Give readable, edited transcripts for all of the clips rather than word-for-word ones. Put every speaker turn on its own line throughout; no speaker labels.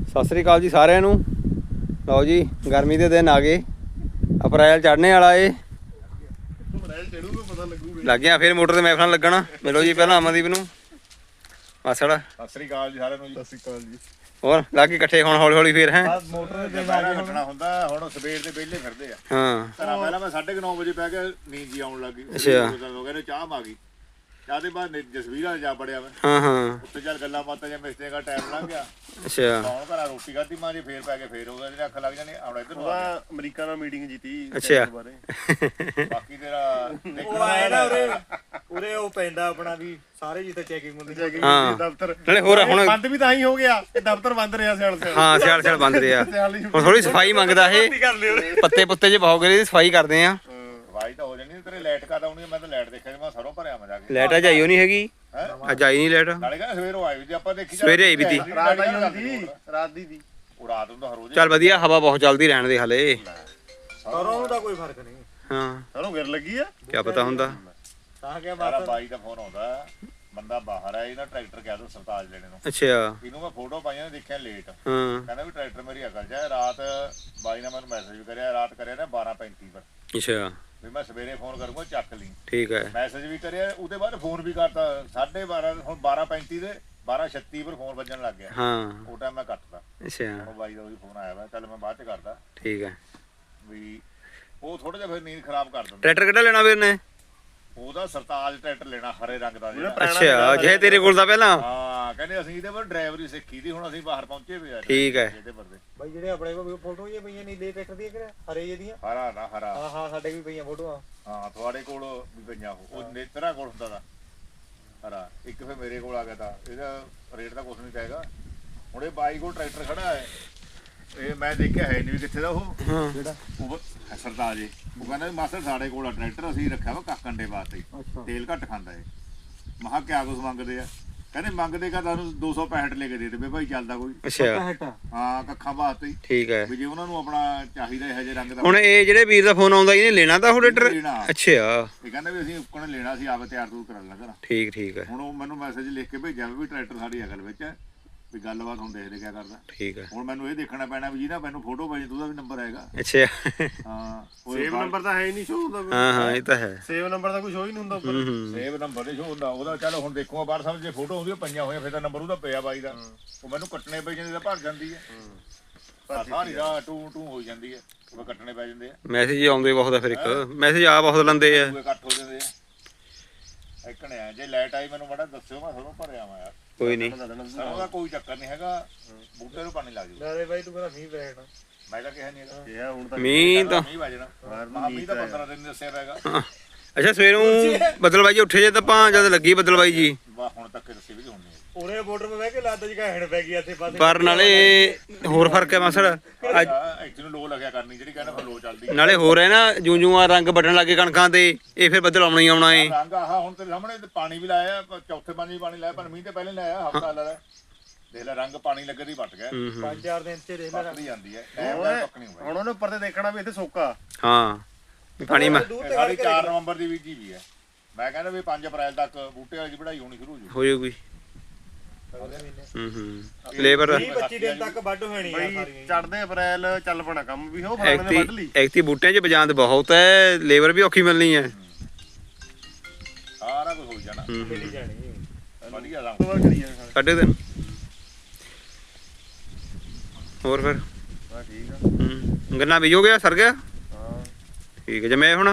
ਸਤਿ ਸ੍ਰੀ ਅਕਾਲ ਜੀ ਸਾਰਿਆਂ ਨੂੰ। ਲਓ ਜੀ ਗਰਮੀ ਦੇ ਦਿਨ ਆ ਗਏ, ਅਪ੍ਰੈਲ ਚੜ੍ਹਨੇ ਵਾਲਾ ਏ। ਲੱਗ ਗਿਆ ਫਿਰ ਮੋਟਰ ਤੇ ਮਹਿਫਲਾਂ ਲੱਗਣਾ। ਮਿਲੋ ਜੀ ਪਹਿਲਾਂ ਅਮਨਦੀਪ ਨੂੰ। ਮਾਸੜ
ਸਤਿ ਸ੍ਰੀ ਅਕਾਲ ਜੀ ਸਾਰਿਆਂ ਨੂੰ। ਸਤਿ ਸ੍ਰੀ ਅਕਾਲ ਜੀ।
ਹੋਰ ਲੱਗ ਗਏ ਇਕੱਠੇ ਹੁਣ ਹੌਲੀ ਹੌਲੀ ਫੇਰ ਹੈ
ਮੋਟਰ ਦੇ ਬਹਿਣਾ ਕੱਟਣਾ ਹੁੰਦਾ। ਹੁਣ ਸਵੇਰ ਦੇ ਵਿਹਲੇ ਫਿਰਦੇ ਆ।
ਹਾਂ
ਪਹਿਲਾਂ ਮੈਂ 9:30 ਵਜੇ ਪੈ ਕੇ ਨੀਂਦ ਜੀ ਆਉਣ ਲੱਗੀ।
ਅੱਛਾ
ਹੋ ਗਏ ਨੇ ਚਾਹ ਆ ਗਈ। ਚਾਹ ਦੇ ਬਾਅਦ ਜਸਵੀਰ ਵਾਲੇ ਜਾ ਬੜਿਆ ਮੈਂ।
ਹਾਂ
ਉੱਥੇ ਚੱਲ ਗੱਲਾਂ ਬਾਤਾਂ ਜਾਂ ਮਿਸਤਰੀਆਂ ਦਾ ਟਾਈਮ ਲੰਘ ਗਿਆ।
ਅੱਛਾ
ਹੁਣ ਘਰਾਂ ਰੋਟੀ ਖਾਧੀ ਮਾਂ ਜੀ ਫੇਰ ਪੈ ਕੇ ਫੇਰ ਹੋ ਗਿਆ ਜਿਹੜੇ ਅੱਖ ਲੱਗ ਜਾਣੀ ਆਉਣ ਇੱਧਰ ਨੂੰ ਆ
ਅਮਰੀਕਾ ਨਾਲ ਮੀਟਿੰਗ ਜੀਤੀ
ਅੱਛਾ
ਬਾਕੀ ਤੇਰਾ
ਉਹ ਆਇਆ ਨਾ ਉਰੇ ਉਹ ਪੈਂਦਾ ਆਪਣਾ ਵੀ ਸਾਰੇ ਜਿੱਥੇ ਚੈਕਿੰਗ ਹੁੰਦੀ
ਹਾਂ।
ਦਫ਼ਤਰ
ਨਾਲੇ ਹੋਰ ਹੁਣ
ਬੰਦ ਵੀ ਤਾਂ ਹੀ ਹੋ ਗਿਆ ਇਹ ਦਫ਼ਤਰ ਬੰਦ ਰਿਹਾ ਸਿਆਲ ਸਿਆਲ।
ਹਾਂ ਸਿਆਲ ਸਿਆਲ ਬੰਦ ਰਿਹਾ। ਹੁਣ ਥੋੜੀ ਸਫਾਈ ਮੰਗਦਾ ਇਹ, ਪੱਤੇ ਪੁੱਤੇ ਜੇ ਬਹੁਤ ਗਏ ਸਫਾਈ ਕਰਦੇ ਆ।
ਸਫਾਈ ਤਾਂ ਹੋ ਜਾਣੀ। ਤੇਰੇ ਲਾਈਟ ਕਦ ਆਉਣੀ ਮੈਂ ਤਾਂ ਲਾਈਟ ਦੇਖਿਆ ਮੈਂ ਸਰੋਂ ਭਰਿਆ ਮੈਂ ਜਾ ਕੇ।
ਲਾਈਟ ਅੱਜ ਆਈ ਓ ਨਹੀਂ ਹੈਗੀ, ਅੱਜ ਆਈ ਨਹੀਂ ਲਾਈਟ।
ਨਾਲੇ ਕਹਿੰਦਾ ਸਵੇਰੋਂ ਆਈ ਵੀ ਤੇ ਆਪਾਂ ਦੇਖੀ
ਸਵੇਰੇ ਆਈ ਵੀ ਤੀ।
ਰਾਤ ਆਈ ਹੁੰਦੀ ਰਾਤ ਦੀ
ਉਹ ਰਾਤ ਨੂੰ ਤਾਂ ਹਰੋਜ਼
ਚੱਲ ਵਧੀਆ, ਹਵਾ ਬਹੁਤ ਚੱਲਦੀ ਰਹਿਣ ਦੇ ਹਲੇ।
ਸਰੋਂ ਦਾ ਕੋਈ ਫਰਕ ਨਹੀਂ।
ਹਾਂ
ਸਰੋਂ ਗਿਰ ਲੱਗੀ ਆ
ਕੀ ਪਤਾ ਹੁੰਦਾ।
ਤਾਂ ਕਿ
ਸਾਰਾ ਬਾਈ ਦਾ ਫੋਨ ਆਉਂਦਾ, ਬੰਦਾ ਬਾਹਰ ਆ ਇਹਨਾਂ ਟਰੈਕਟਰ ਕਹਿ ਦੋ ਸਰਤਾਜ ਲੈਣੇ ਨੂੰ।
ਅੱਛਾ
ਇਹਨੂੰ ਮੈਂ ਫੋਟੋ ਪਾਈਆਂ ਨੇ ਦੇਖਿਆ ਲੇਟ।
ਹਾਂ
ਕਹਿੰਦਾ ਵੀ ਟਰੈਕਟਰ ਮੇਰੀ ਅਕਲ ਜਾ। ਰਾਤ ਬਾਈ ਨੇ ਮੈਨੂੰ ਮੈਸੇਜ ਵੀ ਕਰਿਆ, ਰਾਤ ਕਰਿਆ ਨਾ 12:35 ਪਰ
ਅੱਛਾ
ਵੀ ਮੈਂ ਸਵੇਰੇ ਫੋਨ ਕਰੂੰਗਾ ਚੱਕ ਲਈ।
ਠੀਕ ਹੈ।
ਮੈਸੇਜ ਵੀ ਕਰਿਆ ਉਹਦੇ ਬਾਅਦ ਫੋਨ ਵੀ ਕਰਤਾ 12:30 ਹੁਣ 12:35 ਦੇ 12:36 ਪਰ ਫੋਨ ਵੱਜਣ ਲੱਗ ਗਿਆ।
ਹਾਂ
ਉਹ ਟਾਈਮ ਮੈਂ ਕੱਟਦਾ।
ਅੱਛਾ
ਹੁਣ ਬਾਈ ਦਾ ਉਹੀ ਫੋਨ ਆਇਆ ਵਾ, ਚੱਲ ਮੈਂ ਬਾਅਦ ਚ ਕਰਦਾ
ਠੀਕ ਹੈ।
ਵੀ ਉਹ ਥੋੜਾ ਜਿਹਾ ਫਿਰ ਨੀਂਦ ਖਰਾਬ ਕਰ ਦਿੰਦਾ।
ਟਰੈਕਟਰ ਕਿਹੜਾ ਲੈਣਾ ਵੀਰ ਨੇ?
ਉਹਦਾ ਸਰਤਾਜ ਟਰੈਕਟਰ ਲੈਣਾ ਹਰੇ ਰੰਗ ਦਾ ਜਿਹੜਾ।
ਅੱਛਾ ਜੇ ਤੇਰੇ ਕੋਲ ਦਾ ਪਹਿਲਾਂ।
ਹਾਂ ਕਹਿੰਦੇ ਅਸੀਂ ਇਹਦੇ ਪਰ ਡਰਾਈਵਰੀ ਸਿੱਖੀ ਦੀ, ਹੁਣ ਅਸੀਂ ਬਾਹਰ ਪਹੁੰਚੇ ਵੀ ਆ।
ਠੀਕ ਹੈ।
ਇਹਦੇ ਪਰ ਦੇ
ਬਾਈ ਜਿਹੜੇ ਆਪਣੇ ਕੋਲ ਫੋਟੋ ਹੀ ਪਈਆਂ ਨੀਲੇ ਟਰੈਕਟਰ ਦੀਆਂ ਕਿਹੜਾ ਹਰੇ ਜਿਹੇ
ਹਰਾ ਨਾ ਹਰਾ।
ਹਾਂ ਹਾਂ ਸਾਡੇ ਵੀ ਪਈਆਂ ਫੋਟੋਆਂ।
ਹਾਂ ਤੁਹਾਡੇ ਕੋਲ ਵੀ ਪਈਆਂ ਉਹ ਨੇਤਰਾ ਕੋਲ ਹੁੰਦਾ ਦਾ ਹਰਾ। ਇੱਕ ਫਿਰ ਮੇਰੇ ਕੋਲ ਆ ਗਿਆ ਤਾਂ ਇਹਦਾ ਰੇਟ ਤਾਂ ਕੁਛ ਨਹੀਂ ਕਹੇਗਾ। ਹੁਣ ਇਹ ਬਾਈ ਕੋਲ ਟਰੈਕਟਰ ਖੜਾ ਹੈ, ਇਹ ਮੈਂ ਦੇਖਿਆ ਹੈ ਨਹੀਂ ਵੀ ਕਿੱਥੇ ਦਾ ਉਹ ਜਿਹੜਾ ਉਹ ਸਰਤਾਜ ਜੀ। ਉਹ ਕਹਿੰਦਾ ਵੀ ਮਾਸਟਰ ਸਾਡੇ ਕੋਲ ਆ ਟਰੈਕਟਰ, ਅਸੀਂ ਰੱਖਿਆ ਵਾ ਕਾਕੰਡੇ ਵਾਸਤੇ, ਤੇਲ ਘੱਟ ਖਾਂਦਾ ਏ। ਮੈਂ ਕਿਹਾ ਕਿਆ ਕੁਛ ਮੰਗਦੇ ਆ? ਕਹਿੰਦੇ ਮੰਗਦੇ ਕਾ ਤੁਹਾਨੂੰ 265 ਲੈ ਕੇ ਦੇ ਦੇਵੇ ਭਾਈ, ਚੱਲਦਾ ਕੋਈ।
ਅੱਛਾ
ਹਾਂ ਕੱਖਾਂ ਵਾਸਤੇ ਹੀ।
ਠੀਕ ਹੈ।
ਵੀ ਜੇ ਉਹਨਾਂ ਨੂੰ ਆਪਣਾ ਚਾਹੀਦਾ ਇਹੋ ਜਿਹੇ ਰੰਗ ਦਾ।
ਹੁਣ ਇਹ ਜਿਹੜੇ ਵੀਰ ਦਾ ਫੋਨ ਆਉਂਦਾ ਇਹਨੇ ਲੈਣਾ ਤਾਂ ਉਹ ਟਰੈਕਟਰ?
ਲੈਣਾ।
ਅੱਛਾ
ਇਹ ਕਹਿੰਦਾ ਵੀ ਅਸੀਂ ਉੱਕਣ ਲੈਣਾ ਸੀ, ਆਪ ਤਿਆਰ ਤੂਰ ਕਰਨ ਲੱਗਾ।
ਠੀਕ ਠੀਕ ਹੈ।
ਹੁਣ ਉਹ ਮੈਨੂੰ ਮੈਸੇਜ ਲਿਖ ਕੇ ਭੇਜਿਆ ਵੀ ਟਰੈਕਟਰ ਸਾਡੀ ਅਗਲ ਵਿੱਚ ਹੈ, ਵੀ ਗੱਲਬਾਤ ਹੁਣ ਦੇਖਦੇ ਕਿਆ ਕਰਦਾ।
ਠੀਕ ਹੈ।
ਹੁਣ ਮੈਨੂੰ ਇਹ ਦੇਖਣਾ ਪੈਣਾ ਵੀ ਜਿਹਦਾ ਮੈਨੂੰ ਫੋਟੋ ਭੇਜ ਉਹਦਾ ਵੀ ਨੰਬਰ ਹੈਗਾ।
ਅੱਛਾ
ਹਾਂ
ਸੇਵ ਨੰਬਰ ਤਾਂ ਹੈ ਹੀ ਨਹੀਂ ਸ਼ੋ ਹੁੰਦਾ।
ਹਾਂ ਹਾਂ ਇਹ ਤਾਂ ਹੈ।
ਸੇਵ ਨੰਬਰ ਦਾ ਕੋਈ ਸ਼ੋ ਹੀ ਨਹੀਂ ਹੁੰਦਾ ਉੱਪਰ।
ਸੇਵ ਨੰਬਰ ਦੇ ਸ਼ੋ ਹੁੰਦਾ ਉਹਦਾ। ਚੱਲ ਹੁਣ ਦੇਖੂਗਾ ਬਾਹਰ ਸਮਝ ਜੇ ਫੋਟੋ ਉਹਦੀਆਂ ਪਈਆਂ ਹੋਈਆਂ ਫਿਰ ਤਾਂ ਨੰਬਰ ਉਹਦਾ ਪਿਆ ਬਾਈ ਦਾ। ਉਹ ਮੈਨੂੰ ਕੱਟਣੇ ਪੈ ਜਾਂਦੇ ਤਾਂ ਭਰ ਜਾਂਦੀ ਹੈ। ਸਾਰੀ ਰਾਤ ਟੂ ਟੂ ਹੋ ਜਾਂਦੀ ਹੈ, ਉਹ ਕੱਟਣੇ ਪੈ ਜਾਂਦੇ ਆ।
ਮੈਸੇਜ ਆਉਂਦੇ ਬਹੁਤ ਆ ਫਿਰ ਇੱਕ ਮੈਸੇਜ ਆ ਬਹੁਤ ਲੰਦੇ ਆ।
ਦੂਏ ਕੱਟ ਹੋ ਜਾਂਦੇ ਆ। ਇੱਕਣੇ ਆ ਜੇ ਲਾਈਟ ਆਈ ਮੈਨੂੰ ਮਾੜਾ ਦੱਸਿਓ, ਮੈਂ ਤੁਹਾਨੂੰ ਭਰਿਆ ਵਾ ਯਾਰ।
ਕੋਈ ਨਹੀਂ
ਉਹਦਾ ਕੋਈ ਚੱਕਰ ਨਹੀਂ ਹੈਗਾ, ਬੂਟੇ ਨੂੰ ਪਾਣੀ ਲੱਗ ਜੂ।
ਨਾਲੇ ਬਾਈ ਤੂੰ ਕਹਿੰਦਾ ਮੀਂਹ ਪੈਣਾ।
ਮੈਂ ਤਾਂ ਕਿਹਾ ਨਹੀਂ ਹੈਗਾ
ਇਹ ਹੁਣ ਤਾਂ
ਮੀਂਹ ਤਾਂ
ਮੀਂਹ ਵੱਜਣਾ। ਮੀਂਹ ਤਾਂ 15 ਦਿਨ ਦੱਸਿਆ ਪੈਗਾ।
ਅੱਛਾ ਸਵੇਰੋਂ ਬੱਦਲਬਾਈ ਜੀ ਉੱਠੇ ਜੇ ਤਾਂ ਆਪਾਂ ਜਦ ਲੱਗੀ ਬੱਦਲਬਾਈ ਜੀ
ਵਾਹ ਹੁਣ ਤੱਕ ਦੱਸੇ ਵੀ ਹੋਣੀ।
ਉਰੇ ਬਾਰਡਰ 'ਤੇ ਬਹਿ ਕੇ ਲੱਦ ਜਿਹਾ ਹੈਣ ਪੈ ਗਈ ਇੱਥੇ ਪਾਸੇ।
ਪਰ ਨਾਲੇ ਹੋਰ ਫਰਕ ਹੈ ਮਾਸੜ ਅੱਜ
ਐਕਚੁਅਲੀ ਲੋ ਲੱਗਿਆ ਕਰਨੀ ਜਿਹੜੀ ਕਹਿੰਦਾ ਫਿਰ ਲੋ ਚੱਲਦੀ।
ਨਾਲੇ ਹੋਰ ਹੈ ਨਾ ਜੂੰ ਜੂਆਂ ਰੰਗ ਵੱਢਣ ਲੱਗੇ ਕਣਕਾਂ ਤੇ, ਇਹ ਫਿਰ ਬੱਦਲ ਆਉਣਾ ਹੀ ਆਉਣਾ ਏ।
ਰੰਗ ਆਹ ਹੁਣ ਤੇਰੇ ਸਾਹਮਣੇ ਪਾਣੀ ਵੀ ਲਾਇਆ, ਚੌਥੇ ਪਾਣੀ ਵੀ ਪਾਣੀ ਲਾਇਆ, ਪਰ ਮੀਂਹ ਤੇ ਪਹਿਲੇ ਲਾਇਆ ਹਫਤਾ ਲਾਇਆ। ਦੇਖ ਲੈ ਰੰਗ ਪਾਣੀ ਲੱਗੇ ਦੀ ਵੱਟ ਗਿਆ।
5-4 ਦਿਨ ਚ ਦੇਖ ਲੈ
ਵੱਟਦੀ ਜਾਂਦੀ ਹੈ, ਟਾਈਮ ਦਾ ਪੱਕ ਨਹੀਂ ਹੋਇਆ।
ਹੁਣ ਉਹਨੇ ਉੱਪਰ ਤੇ ਦੇਖਣਾ ਵੀ ਇੱਥੇ ਸੋਕਾ।
ਹਾਂ ਪਾਣੀ ਮੈਂ
ਸਾਡੀ 4 ਨਵੰਬਰ ਦੀ ਬੀਜੀ ਵੀ ਹੈ। ਮੈਂ ਕਹਿੰਦਾ ਵੀ 5 ਅਪ੍ਰੈਲ ਤੱਕ ਬੂਟੇ ਵਾਲੀ ਵਢਾਈ ਹੋਣੀ ਸ਼ੁਰੂ ਹੋ ਜੂ।
ਹੋ ਜਾਊਗੀ। ਲੇਬਰ
20-25 ਦਿਨ ਤੱਕ ਵੱਢ ਹੋਣੀ ਆ ਸਾਰੀਆਂ। ਚੜਦੇ ਅਪ੍ਰੈਲ ਚੱਲ ਪਣਾ ਕੰਮ ਵੀ ਉਹ ਫਲਾਣੇ ਨੇ ਵੱਢ ਲਈ।
ਐਕਤੀ ਬੂਟਿਆਂ 'ਚ ਬਜਾਂਦ ਬਹੁਤ ਹੈ, ਲੇਬਰ ਵੀ ਔਖੀ ਮਿਲਣੀ ਹੈ।
ਸਾਰਾ ਕੁਝ ਹੋ ਜਾਣਾ
ਮਿਲੀ ਜਾਣੀ
ਵਧੀਆ ਰੰਗ
ਕਰੀ ਜਾਣਾ।
ਕੱਢੇ ਦਿਨ ਹੋਰ ਫਿਰ
ਹਾਂ ਠੀਕ ਆ।
ਗੰਨਾ ਬੀਜੋ ਗਿਆ ਸਰ ਗਿਆ?
ਹਾਂ
ਠੀਕ ਹੈ ਜਮੇ ਹੁਣ।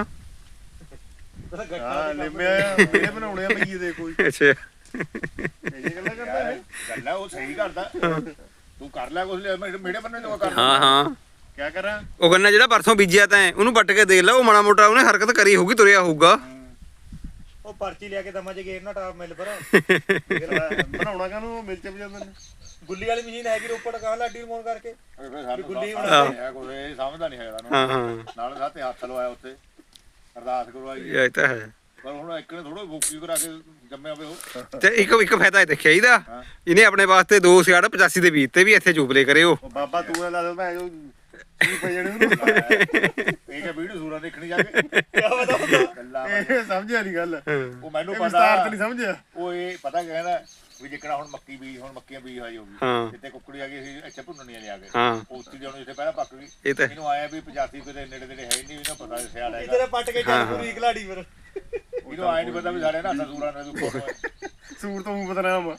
ਹਾਂ ਲਿਮਿਆ ਮੇਰੇ ਬਣਾਉਣੇ ਆ ਬਈਏ ਦੇ ਕੋਈ।
ਅੱਛਾ
ਇਹ ਗੱਲਾਂ ਕਰਦਾ ਹੈ।
ਗੱਲ ਹੈ ਉਹ ਸਹੀ ਕਰਦਾ। ਤੂੰ ਕਰ ਲੈ ਕੁਝ ਮੇਰੇ ਬੰਨੇ ਤੋਂ ਕਰ।
ਹਾਂ ਹਾਂ
ਕੀ ਕਰਾਂ?
ਉਹ ਗੰਨਾ ਜਿਹੜਾ ਪਰਸੋਂ ਬੀਜਿਆ ਤੈਂ ਉਹਨੂੰ ਪੱਟ ਕੇ ਦੇਖ ਲੈ, ਉਹ ਮਾੜਾ ਮੋਟਾ ਉਹਨੇ ਹਰਕਤ ਕਰੀ ਹੋਊਗੀ, ਤੁਰਿਆ ਹੋਊਗਾ।
ਉਹ ਪਰਚੀ ਲਿਆ ਕੇ ਦਮਾ ਚ ਗੇਰਨਾ ਟਾਪ ਮਿਲ ਪਰ ਬਣਾਉਣਾ ਕਾਹਨੂੰ ਮਿਲ ਚ ਜਾਂਦੇ ਨੇ। ਗੁੱਲੀ ਵਾਲੀ ਮਸ਼ੀਨ ਹੈਗੀ ਰੋਪੜ ਕਹਾਂ ਲਾਡੀ ਨੂੰ ਫੋਨ ਕਰਕੇ
ਗੁੱਲੀ ਬਣਾਇਆ ਕੋਈ ਸਮਝਦਾ ਨਹੀਂ ਹੈਗਾ।
ਹਾਂ ਹਾਂ
ਨਾਲ ਸਾਥੇ ਹੱਥ ਲਵਾਇਆ ਉੱਤੇ ਅਰਦਾਸ ਕਰਵਾਈ।
ਇਹ ਤਾਂ ਹੈ।
ਪਰ ਹੁਣ ਇੱਕ ਨੇ ਥੋੜਾ ਬੁੱਕੀ ਕਰਾ ਕੇ ਜੰਮਿਆ ਹੋਵੇ ਉਹ।
ਤੇ ਇੱਕ ਫਾਇਦਾ ਇਹ ਦੇਖਿਆ ਇਹਦਾ, ਇਹਨੇ ਆਪਣੇ ਵਾਸਤੇ 2 ਸਿਆੜ 85 ਦੇ ਬੀਜ ਤੇ ਵੀ ਇੱਥੇ ਚੂਪਲੇ ਕਰੇ ਉਹ।
ਬਾਬਾ ਤੂੰ ਨਾ ਲਾ ਮੈਂ ਜੋ ਕੀ ਪਈ ਜਣੇ ਨੂੰ
ਇਹ ਕਿ ਵੀਡੀਓ ਸੂਰਾ ਦੇਖਣੀ ਜਾ ਕੇ ਕੀ ਪਤਾ
ਇਹ ਸਮਝਿਆ ਨਹੀਂ ਗੱਲ।
ਉਹ ਮੈਨੂੰ
ਇਹ
ਪਤਾ
ਵਿਸਤਾਰ ਤੇ ਨਹੀਂ ਸਮਝਿਆ।
ਉਹ ਇਹ ਪਤਾ ਕਹਿੰਦਾ ਵੀ ਜਿੱਕਣਾ ਹੁਣ ਮੱਕੀ ਬੀਜ ਹੁਣ ਮੱਕੀਆਂ ਬੀਜ ਹੋਈ ਹੋਗੀ
ਹਾਂ
ਜਿੱਤੇ ਕੁੱਕੜੀ ਆ ਗਈ ਸੀ ਇੱਥੇ ਭੁੰਨਣੀਆਂ ਲਿਆ ਕੇ
ਹਾਂ
ਉੱਥੇ ਜਦੋਂ ਇੱਥੇ ਪਹਿਲਾਂ ਪੱਕ ਗਈ
ਇਹ ਤਾਂ
ਇਹਨੂੰ ਆਇਆ ਵੀ 85 ਕਿਤੇ ਨੇੜੇ ਤੇੜੇ ਹੈ ਨਹੀਂ ਇਹਨੂੰ ਪਤਾ ਸਿਆਲ ਹੈਗਾ
ਇਧਰ ਪੱਟ ਕੇ ਚੱਲ ਪੂਰੀ ਖਿਲਾੜੀ ਫਿਰ
ਇਹਨੂੰ ਆਇਆ ਨਹੀਂ ਪਤਾ ਵੀ ਸਾਡੇ ਨਾ ਸੂਰਾਂ ਨੇ ਤੂੰ
ਸੂਰ ਤੋਂ ਮੂੰਹ ਬਦਨਾਮ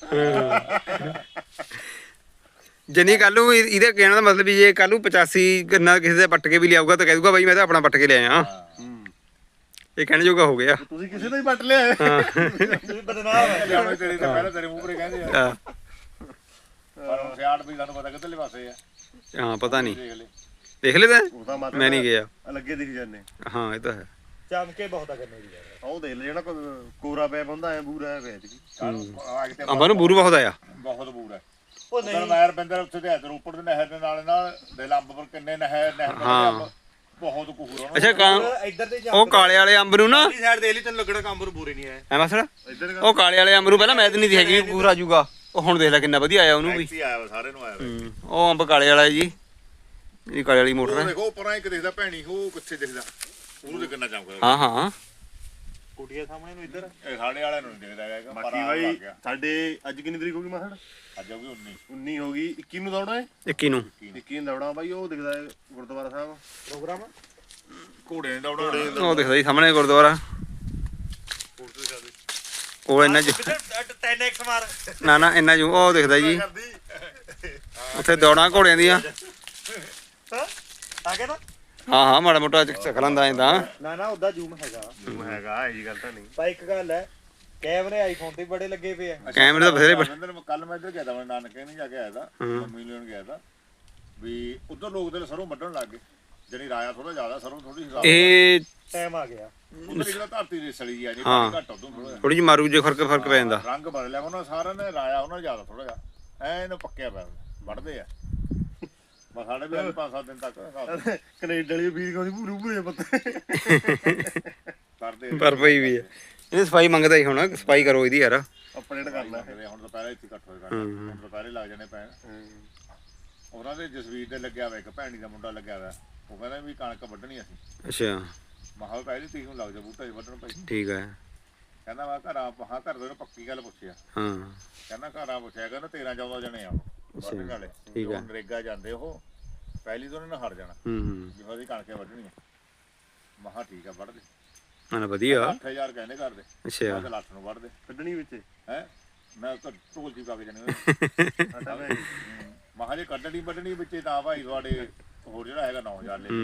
ਜਨੀ ਕੱਲ ਨੂੰ ਇਹਦੇ ਕਹਿਣ ਦਾ ਮਤਲਬ ਵੀ ਜੇ ਕੱਲ ਨੂੰ 85 ਗੰਨਾ ਕਿਸੇ ਦੇ ਪੱਟ ਕੇ ਵੀ ਲਿਆਊਗਾ ਤਾਂ ਕਹਿ ਦੂਗਾ ਬਾਈ ਮੈਂ ਤਾਂ ਆਪਣਾ ਪੱਟ ਕੇ ਲਿਆਇਆ ਇਹ ਕਹਿਣ ਜੋਗਾ ਹੋ ਗਿਆ
ਤੁਸੀਂ ਕਿਸੇ ਦਾ ਹੀ ਪੱਟ ਲਿਆ ਤੁਸੀਂ ਬਦਨਾਮ ਹੈ
ਲਿਆਉਣੇ ਤੇਰੇ ਤਾਂ ਪਹਿਲਾਂ ਤੇਰੇ ਮੂੰਹ ਪਰੇ ਕਹਿੰਦੇ ਆ
ਹਾਂ
ਪਰ ਹੁਣ ਸਿਆੜ ਵੀ ਸਾਨੂੰ ਪਤਾ ਕਿੱਧਰਲੇ ਪਾਸੇ ਆ
ਹਾਂ ਪਤਾ ਨਹੀਂ
ਦੇਖ ਲੈ
ਦੇਖ ਲੈ ਤਾਂ
ਉਹਦਾ ਮਤਲਬ
ਮੈਂ ਨਹੀਂ ਗਿਆ
ਲੱਗੇ ਦਿਖ ਜਾਂਦੇ
ਹਾਂ ਇਹ ਤਾਂ ਹੈ
ਚਮਕੇ ਬਹੁਤ ਆ ਕਰਨੇ ਦੀ ਯਾਰ ਉਹ ਦੇਖ ਲੈ ਜਿਹੜਾ ਕੋਰਾ ਪੈ ਬੰਦਾ ਐ ਬੂਰਾ ਐ ਵੇਚ ਗਈ
ਅੰਬਾਂ ਨੂੰ ਬੂਰੂ ਬਹੁਤ ਆਇਆ
ਬਹੁਤ ਬੂਰ ਹੈ
ਉਹ
ਉਧਰ ਨਹਿਰ ਬੰਦਰ ਉੱਥੇ ਤੇ ਇੱਧਰ ਉੱਪਰ ਦੇ ਨਹਿਰ ਦੇ ਨਾਲ ਦੇ ਲੰਬ ਪਰ ਕਿੰਨੇ ਨਹਿਰ
ਹਾਂ।
ਬਹੁਤ ਕੁਹੂਰ ਉਹਨਾਂ
ਅੱਛਾ
ਇੱਧਰ ਤੇ
ਉਹ ਕਾਲੇ ਵਾਲੇ ਅੰਬ ਨੂੰ ਨਾ
ਦੀ ਸਾਈਡ ਦੇ ਲਈ ਤੈਨੂੰ ਲੱਗਣਾ ਕੰਮ ਨੂੰ ਬੂਰੇ ਨਹੀਂ ਆਏ
ਐ ਮਸੜਾ
ਇੱਧਰ
ਉਹ ਕਾਲੇ ਵਾਲੇ ਅੰਬ ਨੂੰ ਪਹਿਲਾਂ ਮੈਂ ਤਾਂ ਨਹੀਂ ਹੈਗੀ ਪੂਰਾ ਜੂਗਾ ਉਹ ਹੁਣ ਦੇਖ ਲੈ ਕਿੰਨਾ ਵਧੀਆ ਆਇਆ ਉਹਨੂੰ ਵੀ
ਟੈਕਸੀ ਆਇਆ ਵਾ ਸਾਰੇ ਨੂੰ ਆਇਆ ਵਾ
ਉਹ ਅੰਬ ਕਾਲੇ ਵਾਲਾ ਜੀ ਇਹ ਕਾਲੇ ਵਾਲੀ ਮੋਟਰ
ਉਹ
ਹੈ
ਦੇਖੋ ਉੱਪਰਾਂ ਇੱਕ ਦਿਖਦਾ ਭੈਣੀ ਉਹ ਕਿੱਥੇ ਦਿਖਦਾ ਉਹਨੂੰ ਦੇਖਣਾ ਚਾਹੁੰਦਾ
ਹਾਂ ਹਾਂ
ਕੁੜੀਆਂ ਸਾਹਮਣੇ ਨੂੰ ਇੱਧਰ
ਇਹ ਸਾਡੇ ਵਾਲਿਆਂ ਨੂੰ ਨਹੀਂ ਦਿਖਦਾ ਹੈਗਾ
ਬਾਕੀ ਬਾਈ ਸਾਡੇ ਅੱਜ ਕਿੰਨੀ ਤਰੀਕ ਹੋ ਗਈ ਮਾਸੜ
ਅੱਜ ਹੋ ਗਈ 19
19 ਹੋ ਗਈ 21 ਨੂੰ ਦੌੜਾ ਹੈ
21 ਨੂੰ
21 ਨੂੰ ਦੌੜਾ ਬਾਈ ਉਹ ਦਿਖਦਾ ਹੈ ਗੁਰਦੁਆਰਾ ਸਾਹਿਬ ਪ੍ਰੋਗਰਾਮ
ਘੋੜੇ ਨੇ ਦੌੜਾ
ਉਹ ਦਿਖਦਾ ਜੀ ਸਾਹਮਣੇ ਗੁਰਦੁਆਰਾ ਉਹ ਇੰਨਾ ਜੂ
10x ਮਾਰ
ਨਾ ਇੰਨਾ ਜੂ ਉਹ ਦਿਖਦਾ ਜੀ ਉੱਥੇ ਦੌੜਾਂ ਘੋੜਿਆਂ ਦੀਆਂ
ਆ ਗਿਆ ਨਾ
ਹਾਂ ਮਾੜਾ ਮੋਟਾ ਚੱਕ ਲੈਂਦਾ ਐਂਦਾ
ਨਾ ਉਹਦਾ ਜ਼ੂਮ ਹੈਗਾ ਜ਼ੂਮ ਹੈਗਾ ਇਹ ਗੱਲ ਤਾਂ ਨਹੀਂ ਪਰ ਇੱਕ ਗੱਲ ਹੈ ਕੈਮਰੇ ਆਈਫੋਨ ਤੇ ਬੜੇ ਲੱਗੇ ਪਏ ਆ
ਕੈਮਰੇ ਤਾਂ ਬਥੇਰੇ
ਕੱਲ ਮੈਂ ਇੱਧਰ ਗਿਆ ਤਾਂ ਮੈਂ ਨਾਨਕੇ ਨਹੀਂ ਜਾ ਕੇ ਆਇਆ ਤਾਂ ਮੰਮੀ ਲੈਣ ਗਿਆ ਤਾਂ ਵੀ ਉਧਰ ਲੋਕ ਤੇ ਸਰੋਂ ਵੱਢਣ ਲੱਗ ਗਏ ਜਿਹੜੀ ਰਾਇਆ ਥੋੜਾ ਜ਼ਿਆਦਾ ਸਰੋਂ ਥੋੜੀ ਹਿਸਾਬ
ਇਹ
ਟਾਈਮ ਆ ਗਿਆ
ਉਧਰ ਜਿਹੜਾ ਧਰਤੀ ਦੀ ਸੜੀ ਆ ਜੀ
ਹਾਂ।
ਘੱਟ ਉਦੋਂ ਥੋੜਾ
ਥੋੜੀ ਜਿਹੀ ਮਾਰੂ ਜੇ ਫਰਕ ਪੈ ਜਾਂਦਾ
ਰੰਗ ਬਦਲਿਆ ਉਹਨਾਂ ਸਾਰਿਆਂ ਨੇ ਰਾਇਆ ਉਹਨਾਂ ਜ਼ਿਆਦਾ ਥੋੜਾ ਜਿਹਾ ਐ ਇਹਨੂੰ ਪੱਕਿਆ ਪਿਆ ਵੱਢਦੇ ਆ ਬਸ ਸਾਡੇ ਵੀ 5-7 ਦਿਨ ਤੱਕ
ਕੈਨੇਡਾ ਵਾਲੀ ਵੀਰ ਕਹਿੰਦੀ ਭੂਰੂ ਭੂਰੇ ਪੱਤੇ
ਕਰਦੇ
ਪਰ ਪਈ ਵੀ ਹੈ ਇਹ ਸਫਾਈ ਮੰਗਦਾ ਹੀ ਹੁਣ ਸਫਾਈ ਕਰੋ ਇਹਦੀ ਯਾਰ
ਅਪਡੇਟ ਕਰਨਾ
ਹੁਣ ਦੁਪਹਿਰੇ ਇੱਥੇ ਇਕੱਠ ਹੋਏ ਕਰਦੇ ਹੁਣ ਦੁਪਹਿਰੇ ਲੱਗ ਜਾਣੇ ਪੈਣ ਉਹਨਾਂ ਦੇ ਜਸਵੀਰ ਦੇ ਲੱਗਿਆ ਵਾ ਇੱਕ ਭੈਣੀ ਦਾ ਮੁੰਡਾ ਲੱਗਿਆ ਵਾ ਉਹ ਕਹਿੰਦਾ ਵੀ ਕਣਕ ਵੱਢਣੀ ਅਸੀਂ
ਅੱਛਾ
ਮਹਾ ਪਹਿਲੀ ਤੀਕ ਨੂੰ ਲੱਗ ਜਾ ਬੂਟਾ ਜੀ ਵੱਢਣ ਭਾਈ
ਠੀਕ ਹੈ
ਕਹਿੰਦਾ ਵਾ ਘਰ ਦੇ ਨੂੰ ਪੱਕੀ ਗੱਲ ਪੁੱਛਿਆ
ਹਾਂ
ਕਹਿੰਦਾ ਘਰਾਂ ਪੁੱਛਿਆ ਕਹਿੰਦਾ 13-14 ਜਣੇ ਆ ਵੱਢਣ ਵਾਲੇ
ਠੀਕ ਹੈ
ਨਰੇਗਾ ਜਾਂਦੇ ਉਹ ਪਹਿਲੀ ਤੋਂ ਉਹਨਾਂ ਨੇ ਹਟ ਜਾਣਾ ਜਿਵੇਂ ਦੀ ਕਣਕੇ ਵੱਢਣੀ ਮਹਾ ਠੀਕ ਆ ਵੱਢ ਦੇ
ਹਾਂ ਵਧੀਆ
8000 ਕਹਿੰਦੇ ਕਰਦੇ
ਅੱਛਾ
ਮੈਂ ਤਾਂ ਲੱਖ ਨੂੰ ਵੱਢ ਦੇ
ਕੱਢਣੀ ਵਿੱਚ
ਹੈ ਮੈਂ ਤਾਂ ਢੋਲ ਜੀ ਪਾ ਕੇ ਜਾਣੇ ਮਹਾ ਜੇ ਕੱਢਣੀ ਵੱਢਣੀ ਵਿੱਚ ਤਾਂ ਭਾਈ ਤੁਹਾਡੇ ਹੋਰ ਜਿਹੜਾ ਹੈਗਾ 9000 ਲੈ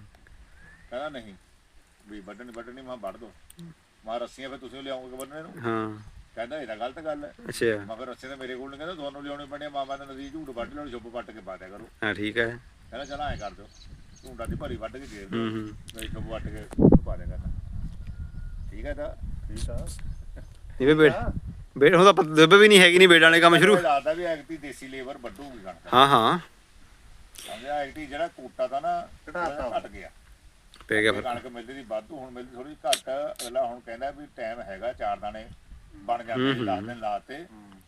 ਕਹਿੰਦਾ ਨਹੀਂ ਵੀ ਵੱਢਣੀ ਮੈਂ ਵੱਢ ਦੋ ਮੈਂ ਰੱਸੀਆਂ ਫਿਰ ਤੁਸੀਂ ਲਿਆਓਗੇ ਵੱਢਣੇ ਨੂੰ
ਹਾਂ
ਕਹਿੰਦਾ ਇਹ ਤਾਂ ਗਲਤ ਗੱਲ ਹੈ
ਅੱਛਾ
ਮੈਂ ਫਿਰ ਰੱਸੇ ਤਾਂ ਮੇਰੇ ਕੋਲ ਨਹੀਂ ਕਹਿੰਦਾ ਤੁਹਾਨੂੰ ਲਿਆਉਣੇ ਪੈਣੇ ਮਾਮਾ ਦਾ ਨਦੀ ਝੂਠ ਵੱਢ ਲੈਣ ਸ਼ੁੱਭ ਪੱਟ ਕੇ ਪਾ ਦਿਆ ਕਰੋ
ਹਾਂ ਠੀਕ ਹੈ
ਕਹਿੰਦਾ ਚਲ ਐਂ ਕਰ ਦਿਓ ਝੂਠਾਂ ਦੀ ਭਰੀ ਵੱਢ ਕੇ ਦੇ ਦਿਓ ਮੇਰੀ ਸ਼ੁੱਭ ਵੱਟ ਕੇ ਪਾ ਦਿਆ ਕਰਨਾ ਠੀਕ ਹੈ ਤਾਂ ਠੀਕ ਆ
ਇਹ ਬੇੜ ਹੁਣ ਤਾਂ ਦੱਬੇ ਵੀ ਨਹੀਂ ਹੈਗੀ ਨਹੀਂ ਬੇੜਾਂ ਵਾਲੇ ਕੰਮ ਸ਼ੁਰੂ
ਲੱਗਦਾ ਵੀ ਐਕਟੀ ਦੇਸੀ ਲੇਬਰ ਵੱਢੂਗੀ ਕਣਕ
ਹਾਂ ਹਾਂ
ਸਮਝਿਆ ਐਕਟੀ ਜਿਹੜਾ ਕੋਟਾ ਤਾਂ ਨਾ ਘਟ ਗਿਆ
ਪੈ ਗਿਆ ਫਿਰ
ਕਣਕ ਮਿਲਦੀ ਦੀ ਵਾਧੂ ਹੁਣ ਮਿਲਦੀ ਥੋੜੀ ਘੱਟ ਅਗਲਾ ਹੁਣ ਕਹਿੰਦਾ ਵੀ ਟਾਈਮ ਹੈਗਾ 4 ਦਾਣੇ ਬਣ ਜਾਂਦੇ 10 ਦਿਨ ਲਾਤੇ